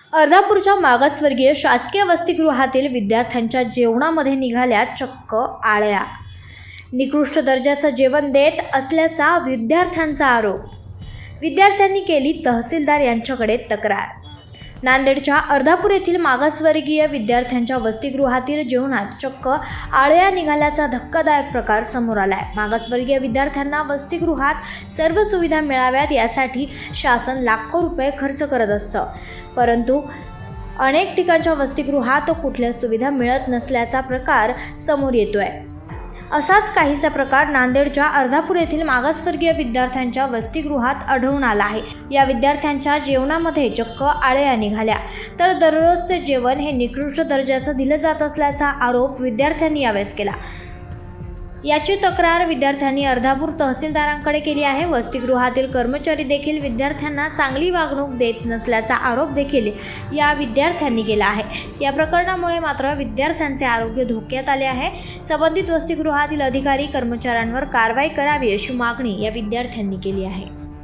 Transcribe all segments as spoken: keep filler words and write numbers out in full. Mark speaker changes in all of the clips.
Speaker 1: अर्धापूरच्या मागासवर्गीय शासकीय वसतिगृहातील विद्यार्थ्यांच्या जेवणामध्ये निघाल्या चक्क आळ्या। निकृष्ट दर्जाचं जेवण देत असल्याचा विद्यार्थ्यांचा आरोप। विद्यार्थ्यांनी केली तहसीलदार यांच्याकडे तक्रार। नांदेडच्या अर्धापूर येथील मागासवर्गीय विद्यार्थ्यांच्या वसतिगृहातील जेवणात चक्क आळ्या निघाल्याचा धक्कादायक प्रकार समोर आलाय। मागासवर्गीय विद्यार्थ्यांना वसतिगृहात सर्व सुविधा मिळाव्यात यासाठी शासन लाखो रुपये खर्च करत असतं, परंतु अनेक ठिकाणच्या वसतिगृहात कुठल्या सुविधा मिळत नसल्याचा प्रकार समोर येतोय। असाच काहीसा प्रकार नांदेडच्या अर्धापूर येथील मागासवर्गीय विद्यार्थ्यांच्या वसतिगृहात आढळून आला आहे। या विद्यार्थ्यांच्या जेवणामध्ये चक्क आळ्या निघाल्या, तर दररोजचे जेवण हे निकृष्ट दर्जाचं दिलं जात असल्याचा आरोप विद्यार्थ्यांनी यावेळेस केला। याची तक्रार विद्यार्थ्यांनी अर्धापूर तहसीलदारांकडे केली आहे। वसतिगृहातील कर्मचारी देखील विद्यार्थ्यांना चांगली वागणूक देत नसल्याचा आरोप देखील या विद्यार्थ्यांनी केला आहे। या प्रकरणामुळे मात्र विद्यार्थ्यांचे आरोग्य धोक्यात आले आहे। संबंधित वसतिगृहातील अधिकारी कर्मचाऱ्यांवर कारवाई करावी अशी मागणी या विद्यार्थ्यांनी केली आहे।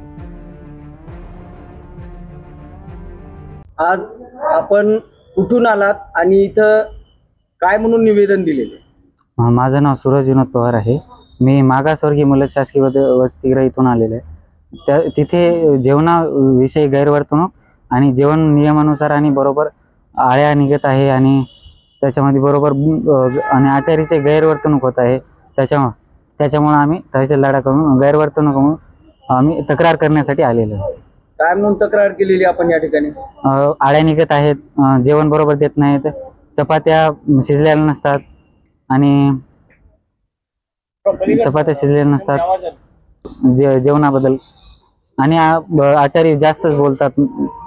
Speaker 2: आज आपण कुठून आलात आणि इथं काय म्हणून निवेदन दिलेले?
Speaker 3: माझं नाव सूरज विनोद पवार आहे। मी मागासवर्गीय मुलं शासकीय वसतिगृह इथून आलेले आहे। त्या तिथे जेवणाविषयी गैरवर्तणूक आणि जेवण नियमानुसार आणि बरोबर आळ्या निघत आहे आणि त्याच्यामध्ये बरोबर आणि आचारीचे गैरवर्तणूक होत आहे। त्याच्यामुळे त्याच्यामुळे आम्ही तहसीलदाराकडून गैरवर्तणूक म्हणून आम्ही तक्रार करण्यासाठी आलेलो आहे।
Speaker 2: काय म्हणून तक्रार केलेली आपण या ठिकाणी?
Speaker 3: आळ्या निघत आहेत, जेवण बरोबर देत नाहीत, चपात्या शिजलेल्या नसतात आणि चपात्या शिजलेल्या नसतात जे जेवणाबद्दल आणि आचार्य जास्तच बोलतात।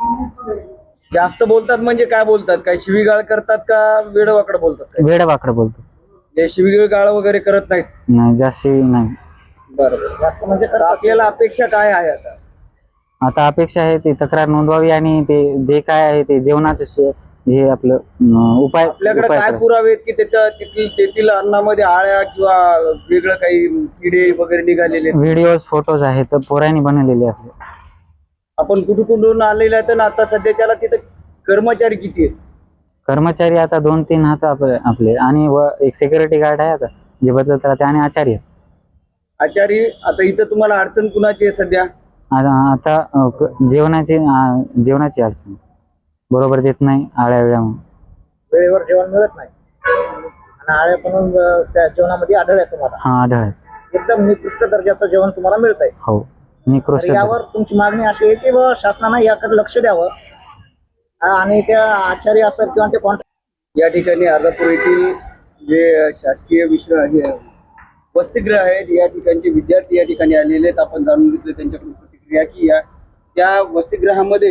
Speaker 2: जास्त बोलतात म्हणजे काय बोलतात? काय शिवीगाळ करतात का वेडवाकडं बोलतात?
Speaker 3: वेडवाकडं बोलतात।
Speaker 2: ते शिवीगाळ वगैरे करत नाहीत?
Speaker 3: नाही, जास्त नाही।
Speaker 2: बरोबर। जास्त म्हणजे आपल्याला अपेक्षा काय आहे आता?
Speaker 3: आता अपेक्षा आहे ती तक्रार नोंदवावी आणि ते जे काय आहे ते जेवणाचे हे आपलं उपाय
Speaker 2: आपल्याकडे काय पुरावे आहेत की त्याच्या तेथील तेथील अन्नामध्ये आळ्या किंवा वेगळं काही किडे वगैरे निघालेले?
Speaker 3: व्हिडिओज फोटोज आहेत, पोरांनी बनवलेले आहेत।
Speaker 2: आपण कुठून कुठून आलेले आहेत? आता सध्याच्याला तिथे कर्मचारी किती आहेत?
Speaker 3: कर्मचारी आता दोन तीन हात आपले आणि एक सिक्युरिटी गार्ड आहे आता जे बदलत राहते आणि आचार्य
Speaker 2: आचारी आता इथं तुम्हाला अडचण कुणाची आहे सध्या?
Speaker 3: आता जेवणाची जेवणाची अडचण बरोबर देत नाही, आळ्या वेळा
Speaker 2: वेळेवर जेवण मिळत नाही आणि आळ्या पण त्या जेवणामध्ये आढळ आहे तुम्हाला?
Speaker 3: हा, आढळ आहे।
Speaker 2: एकदम निकृष्ट दर्जाचं जेवण तुम्हाला मिळत आहे?
Speaker 3: हो, निकृष्ट।
Speaker 2: यावर तुमची मागणी अशी आहे की शासनाने याकडे लक्ष द्यावं आणि त्या आचार्य असेल किंवा ते कॉन्ट्रॅक्ट या ठिकाणी अर्धापूर येथील जे शासकीय विश्राम वसतिगृह आहेत या ठिकाणचे विद्यार्थी या ठिकाणी आलेले आहेत। आपण जाणून घेतलं त्यांच्याकडून प्रतिक्रिया की या त्या वसतिगृहामध्ये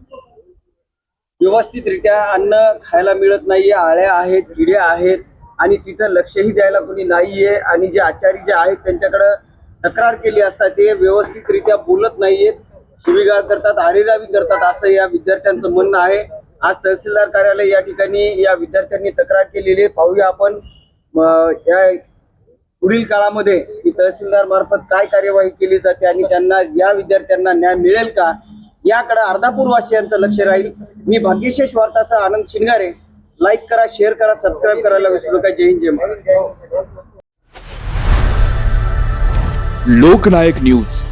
Speaker 2: व्यवस्थितरित्या अन्न खायला मिळत नाहीये, आळ्या आहेत, किडे आहेत आणि तिथं लक्षही द्यायला कोणी नाहीये आणि जे आचारी जे आहेत त्यांच्याकडे तक्रार केली असता ते व्यवस्थितरित्या बोलत नाहीयेत, शिवीगाळ करतात, आरेरावी करतात असं या विद्यार्थ्यांचं म्हणणं आहे। आज तहसीलदार कार्यालय या ठिकाणी या विद्यार्थ्यांनी तक्रार केलेली आहे। पाहूया आपण या पुढील काळामध्ये की तहसीलदार मार्फत काय कार्यवाही केली जाते आणि त्यांना या विद्यार्थ्यांना न्याय मिळेल का याकडे अर्धापूर वासियांचं लक्ष राहील। मी भाग्यशेष वार्तासह आनंद शिंगारे। लाईक करा, शेअर करा, सबस्क्राईब करायला विसरू नका। जय हिंद, जय महाराष्ट्र।
Speaker 4: लोकनायक न्यूज